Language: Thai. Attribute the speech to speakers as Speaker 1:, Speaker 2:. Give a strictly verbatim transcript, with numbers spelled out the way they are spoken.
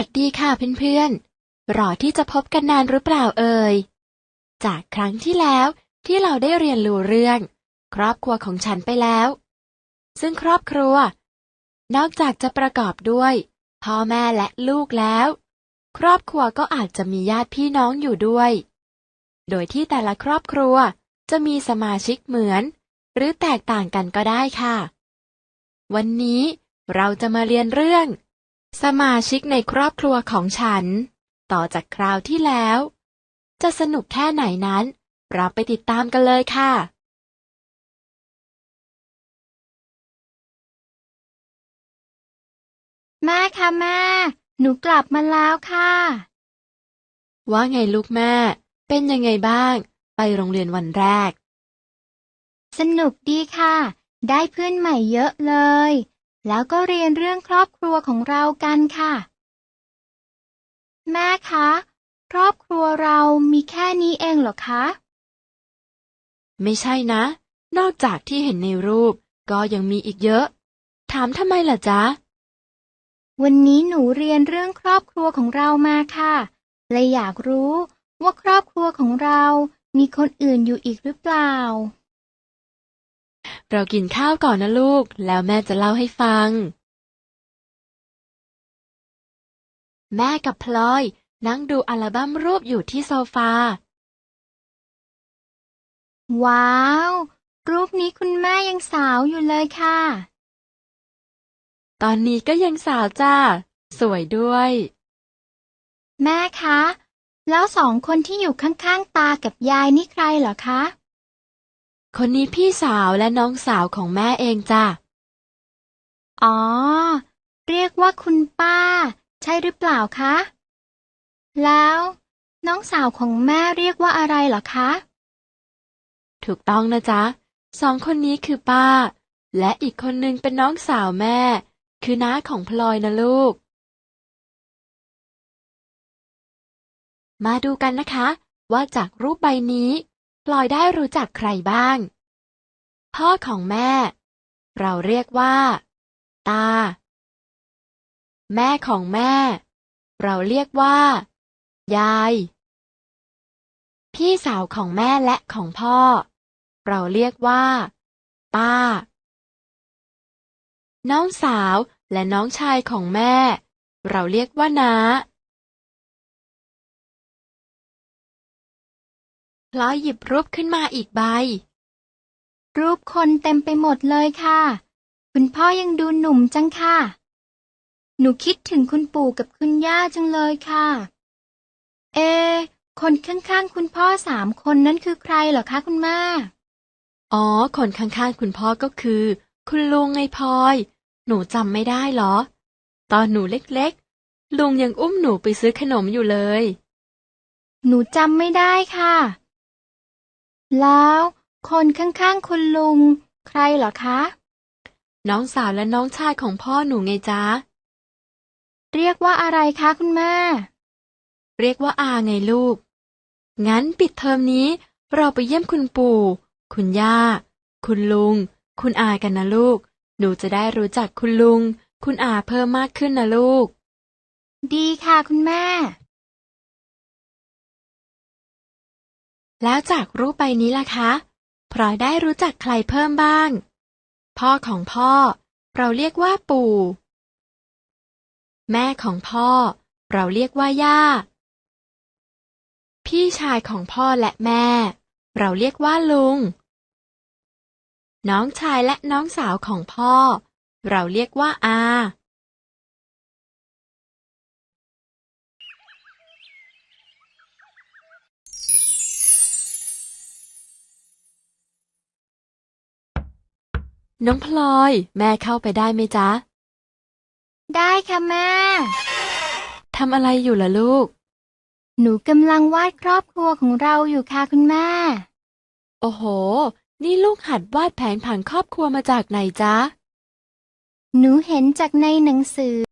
Speaker 1: สวัสดีค่ะเพื่อนๆรอที่จะพบกันนานหรือเปล่าเอ่ยจากครั้งที่แล้วที่เราได้เรียนรู้เรื่องครอบครัวของฉันไปแล้วซึ่งครอบครัวนอกจากจะประกอบด้วยพ่อแม่และลูกแล้วครอบครัวก็อาจจะมีญาติพี่น้องอยู่ด้วยโดยที่แต่ละครอบครัวจะมีสมาชิกเหมือนหรือแตกต่างกันก็ได้ค่ะวันนี้เราจะมาเรียนเรื่องสมาชิกในครอบครัวของฉันต่อจากคราวที่แล้วจะสนุกแค่ไหนนั้นเราไปติดตามกันเลยค่ะ
Speaker 2: แม่คะแม่หนูกลับมาแล้วค่ะ
Speaker 1: ว่าไงลูกแม่เป็นยังไงบ้างไปโรงเรียนวันแรก
Speaker 2: สนุกดีค่ะได้เพื่อนใหม่เยอะเลยแล้วก็เรียนเรื่องครอบครัวของเรากันค่ะแม่คะครอบครัวเรามีแค่นี้เองเหรอคะ
Speaker 1: ไม่ใช่นะนอกจากที่เห็นในรูปก็ยังมีอีกเยอะถามทำไมล่ะจ๊ะ
Speaker 2: วันนี้หนูเรียนเรื่องครอบครัวของเรามาค่ะเลยอยากรู้ว่าครอบครัวของเรามีคนอื่นอยู่อีกหรือเปล่า
Speaker 1: เรากินข้าวก่อนนะลูกแล้วแม่จะเล่าให้ฟังแม่กับพลอยนั่งดูอัลบั้มรูปอยู่ที่โซฟา
Speaker 2: ว้าวรูปนี้คุณแม่ยังสาวอยู่เลยค่ะ
Speaker 1: ตอนนี้ก็ยังสาวจ้าสวยด้วย
Speaker 2: แม่คะแล้วสองคนที่อยู่ข้างๆตากับยายนี่ใครเหรอคะ
Speaker 1: คนนี้พี่สาวและน้องสาวของแม่เองจ้ะ
Speaker 2: อ๋อเรียกว่าคุณป้าใช่หรือเปล่าคะแล้วน้องสาวของแม่เรียกว่าอะไรเหรอคะ
Speaker 1: ถูกต้องนะจ๊ะสองคนนี้คือป้าและอีกคนนึงเป็นน้องสาวแม่คือน้าของพลอยนะลูกมาดูกันนะคะว่าจากรูปใบนี้พลอยได้รู้จักใครบ้างพ่อของแม่เราเรียกว่าตาแม่ของแม่เราเรียกว่ายายพี่สาวของแม่และของพ่อเราเรียกว่าป้าน้องสาวและน้องชายของแม่เราเรียกว่าน้าพลอยหยิบรูปขึ้นมาอีกใบ
Speaker 2: รูปคนเต็มไปหมดเลยค่ะคุณพ่อยังดูหนุ่มจังค่ะหนูคิดถึงคุณปู่กับคุณย่าจังเลยค่ะเอคนข้างๆคุณพ่อสามคนนั้นคือใครเหรอคะคุณแม่
Speaker 1: อ๋อคนข้างๆคุณพ่อก็คือคุณลุงไงพลอยหนูจำไม่ได้เหรอตอนหนูเล็กๆลุงยังอุ้มหนูไปซื้อขนมอยู่เลย
Speaker 2: หนูจำไม่ได้ค่ะแล้วคนข้างๆคุณลุงใครเหรอคะ
Speaker 1: น้องสาวและน้องชายของพ่อหนูไงจ๊ะ
Speaker 2: เรียกว่าอะไรคะคุณแม่
Speaker 1: เรียกว่าอาไงลูกงั้นปิดเทอมนี้เราไปเยี่ยมคุณปู่คุณย่าคุณลุงคุณอากันนะลูกหนูจะได้รู้จักคุณลุงคุณอาเพิ่มมากขึ้นนะลูก
Speaker 2: ดีค่ะคุณแม่
Speaker 1: แล้วจากรูปใบนี้ล่ะคะพลอยได้รู้จักใครเพิ่มบ้างพ่อของพ่อเราเรียกว่าปู่แม่ของพ่อเราเรียกว่าย่าพี่ชายของพ่อและแม่เราเรียกว่าลุงน้องชายและน้องสาวของพ่อเราเรียกว่าอาน้องพลอยแม่เข้าไปได้ไหมจ๊ะ
Speaker 2: ได้ค่ะแม่
Speaker 1: ทำอะไรอยู่ล่ะลูก
Speaker 2: หนูกำลังวาดครอบครัวของเราอยู่ค่ะคุณแม่
Speaker 1: โอ้โหนี่ลูกหัดวาดแผนผังครอบครัวมาจากไหนจ๊ะ
Speaker 2: หนูเห็นจากในหนังสือ